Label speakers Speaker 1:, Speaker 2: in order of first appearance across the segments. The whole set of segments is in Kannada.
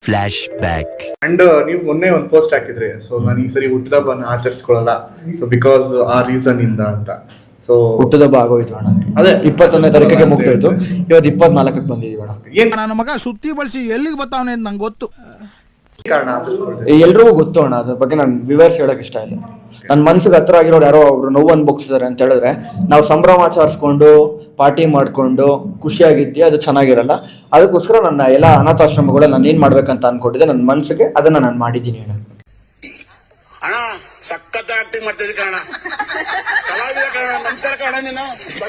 Speaker 1: Flash back.
Speaker 2: ಅಂಡ್ ನೀವು ಮೊನ್ನೆ ಒಂದು ಪೋಸ್ಟ್ ಹಾಕಿದ್ರಿ, ಸೊ ನಾನು ಈ ಸರಿ ಹುಟ್ಟಿದ ಹಬ್ಬನ ಆಚರಿಸ್ಕೊಳ್ಳಲ್ಲ, ಸೊ ಬಿಕಾಸ್ ಆ ರೀಸನ್ ಇಂದ ಅಂತ. ಸೊ
Speaker 3: ಹುಟ್ಟುದಬ್ಬ ಆಗೋಯ್ತು ಅಣ್ಣ, ಅದೇ 21ನೇ ತಾರೀಕಿಗೆ ಮುಗ್ದೋಯ್ತು. ಇವತ್ತು 24ಕ್ಕೆ ಬಂದಿದೀವಿ ಅಣ್ಣ.
Speaker 2: ಏನ್
Speaker 4: ನನ್ನ ಮಗ ಸುತ್ತಿ ಬಳಸಿ ಎಲ್ಲಿಗೆ ಬರ್ತಾವನೆ ಅಂತ ನಂಗೆ ಗೊತ್ತು.
Speaker 2: ಕಾರಣ ಆಚರಿಸ್ಕೊಳ್ತೀವಿ?
Speaker 3: ಎಲ್ರಿಗೂ ಗೊತ್ತು ಅಣ್ಣ, ಅದ್ರ ಬಗ್ಗೆ ನಾನು ವಿವರಿಸಿ ಹೇಳಕ್ ಇಷ್ಟ ಇಲ್ಲ. ನನ್ನ ಮನ್ಸಿಗೆ ಹತ್ರ ಆಗಿರೋರು ಯಾರೋ ಒಬ್ರು ನೋವು ಅನ್ಭೋಗಿಸಿದಾರೆ ಅಂತ ಹೇಳಿದ್ರೆ ನಾವು ಸಂಭ್ರಮಾಚರಿಸ್ಕೊಂಡು ಪಾರ್ಟಿ ಮಾಡ್ಕೊಂಡು ಖುಷಿಯಾಗಿದ್ದಿ, ಅದು ಚೆನ್ನಾಗಿರಲ್ಲ. ಅದಕ್ಕೋಸ್ಕರ ನನ್ನ ಎಲ್ಲ ಅನಾಥಾಶ್ರಮಗಳು ನಾನು ಏನ್ ಮಾಡ್ಬೇಕಂತ ಅನ್ಕೊಂಡಿದ್ದೆ ನನ್ನ ಮನ್ಸಿಗೆ, ಅದನ್ನ ನಾನು ಮಾಡಿದ್ದೀನಿ ಅಣ್ಣ.
Speaker 5: ಅಣ್ಣ ಸಖತ್ ಆಕ್ಟಿಂಗ್ ಮಾಡ್ತಿದ್ದೆ ಕಣ, ಕಲಾವಿದ ಕಣ. ನಮಸ್ಕಾರ ಕಣ, ನೀನು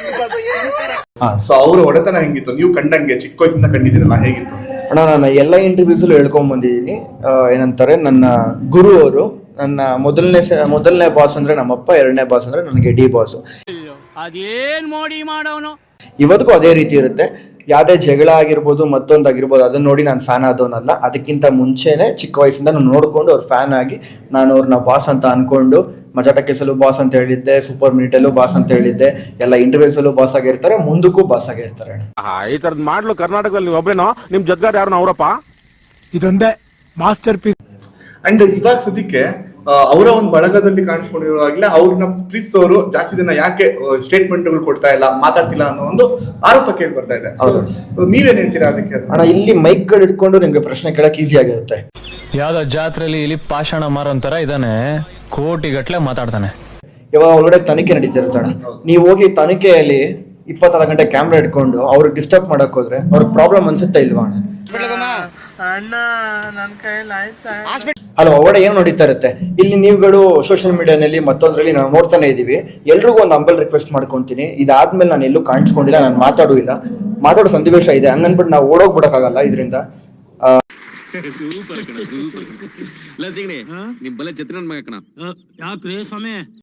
Speaker 2: ಸೊ ಅವ್ರ ಹೊಡೆತನ ಹೆಂಗಿತ್ತು ನೀವು ಕಂಡಂಗೆ? ಚಿಕ್ಕ ವಯಸ್ಸಿಂದ ಕಂಡಿದ್ದೀರಲ್ಲ, ಹೇಗಿತ್ತು
Speaker 3: ಅಣ್ಣ? ನಾನು ಎಲ್ಲ ಇಂಟರ್ವ್ಯೂಸಲ್ಲೂ ಹೇಳ್ಕೊಂಡ್ ಬಂದಿದ್ದೀನಿ. ಏನಂತಾರೆ, ನನ್ನ ಗುರು ಅವರು, ನನ್ನ ಮೊದಲನೇ ಬಾಸ್ ಅಂದ್ರೆ ನಮ್ಮಪ್ಪ, ಎರಡನೇ ಬಾಸ್ ಅಂದ್ರೆ ನನಗೆ ಡಿ ಬಾಸ್.
Speaker 6: ಅದೇನ್ ಮೋಡಿ ಮಾಡೋನು
Speaker 3: ಇವತ್ತಿಗೂ ಅದೇ ರೀತಿ ಇರುತ್ತೆ. ಯಾವ್ದೇ ಜಗಳ ಆಗಿರ್ಬೋದು, ಮತ್ತೊಂದಾಗಿರ್ಬೋದು, ಅದನ್ನ ನೋಡಿ ನಾನು ಫ್ಯಾನ್ ಆದವನಲ್ಲ. ಅದಕ್ಕಿಂತ ಮುಂಚೆನೆ ಚಿಕ್ಕ ವಯಸ್ಸಿಂದ ನಾನು ನೋಡ್ಕೊಂಡು ಅವ್ರ ಫ್ಯಾನ್ ಆಗಿ ನಾನು ಅವ್ರನ್ನ ಬಾಸ್ ಅಂತ ಅನ್ಕೊಂಡು, ಮಜಾ ಟಕ್ಕೀಸಲ್ಲೂ ಬಾಸ್ ಅಂತ ಹೇಳಿದ್ದೆ, ಸೂಪರ್ ಮಿನಿಟಲ್ಲೂ ಬಾಸ್ ಅಂತ ಹೇಳಿದ್ದೆ, ಎಲ್ಲ ಇಂಟರ್ವ್ಯೂಸಲ್ಲೂ ಬಾಸ್ ಆಗಿರ್ತಾರೆ, ಮುಂದಕ್ಕೂ ಬಾಸ್ ಆಗಿರ್ತಾರೆ.
Speaker 7: ಈ ತರದ್ ಮಾಡ್ಲು ಕರ್ನಾಟಕದಲ್ಲಿ ನೀವು ಒಬ್ರೇನೋ, ನಿಮ್ ಜೊತೆಗಾರ ಯಾರು ಅವರಪ್ಪ?
Speaker 4: ಇದೊಂದೇ ಮಾಸ್ಟರ್ ಪೀಸ್.
Speaker 2: ಅಂಡ್ ಇವಾಗ ಸದ್ಯಕ್ಕೆ ಅವರ ಒಂದು ಬಳಗದಲ್ಲಿ ಕಾಣಿಸ್ಕೊಂಡಿರುವಾಗಲೇ ಅವ್ರನ್ನ ಪ್ರೀತಿಸೋರು ಜಾಸ್ತಿ ಜನ ಯಾಕೆ ಸ್ಟೇಟ್ಮೆಂಟ್ಗಳು ಕೊಡ್ತಾ ಇಲ್ಲ, ಮಾತಾಡ್ತಿಲ್ಲ ಅನ್ನೋ ಒಂದು ಆರೋಪ ಕೇಳಿ ಬರ್ತಾ ಇದೆ. ನೀವೇನ್ ಹೇಳ್ತೀರಾ ಅದಕ್ಕೆ?
Speaker 3: ಅಣ್ಣ, ಇಲ್ಲಿ ಮೈಕ್ಗಳು ಇಟ್ಕೊಂಡು ನಿಮ್ಗೆ ಪ್ರಶ್ನೆ ಕೇಳಕ್ ಈಸಿ ಆಗಿರುತ್ತೆ.
Speaker 8: ಯಾವ್ದೋ ಜಾತ್ರೆಯಲ್ಲಿ ಇಲ್ಲಿ ಪಾಷಾಣ ಮಾರೋಂತರ ಇದಾನೆ, ಕೋಟಿ ಗಟ್ಲೆ ಮಾತಾಡ್ತಾನೆ.
Speaker 3: ಇವಾಗ ಒಳಗಡೆ ತನಿಖೆ ನಡೀತಿರುತ್ತೆ ಅಣ್ಣ. ನೀವು ಹೋಗಿ ತನಿಖೆಯಲ್ಲಿ 24 ಗಂಟೆ ಕ್ಯಾಮ್ರಾ ಇಟ್ಕೊಂಡು ಅವ್ರಿಗೆ ಡಿಸ್ಟರ್ಬ್ ಮಾಡಕ್ ಹೋದ್ರೆ ಅವ್ರಿಗೆ ಪ್ರಾಬ್ಲಮ್ ಅನ್ಸುತ್ತಾ ಇಲ್ವಾ ಅಣ್ಣ? ಅಲ್ವಾ, ಒಳಗಡೆ ಏನು ನಡೀತಾ ಇರುತ್ತೆ. ಇಲ್ಲಿ ನೀವುಗಳು ಸೋಷಿಯಲ್ ಮೀಡಿಯಾನಲ್ಲಿ ಮತ್ತೊಂದ್ರಲ್ಲಿ ನಾವು ನೋಡ್ತಾನೆ ಇದೀವಿ. ಎಲ್ರಿಗೂ ಒಂದು ಅಂಬಲ್ ರಿಕ್ವೆಸ್ಟ್ ಮಾಡ್ಕೊಂತೀನಿ, ಇದಾದ್ಮೇಲೆ ನಾನು ಎಲ್ಲೂ ಕಾಣಿಸ್ಕೊಂಡಿಲ್ಲ, ನಾನು ಮಾತಾಡೋ ಸನ್ನಿವೇಶ ಇದೆ, ಹಂಗನ್ಬಿಟ್ಟು ನಾವು ಓಡೋಗ್ಬಿಡಕ್ಕಾಗಲ್ಲ ಇದರಿಂದ.
Speaker 9: ಸೂಪರ್ ಕಣ, ಸೂಪರ್. ಲಸಿಗಣೆ ನಿಮ್ ಬಲೆ ಛತ್ರನ್ ಮಗ ಕಣ.
Speaker 6: ಯಾಕ್ರಿ ಸ್ವಾಮಿ?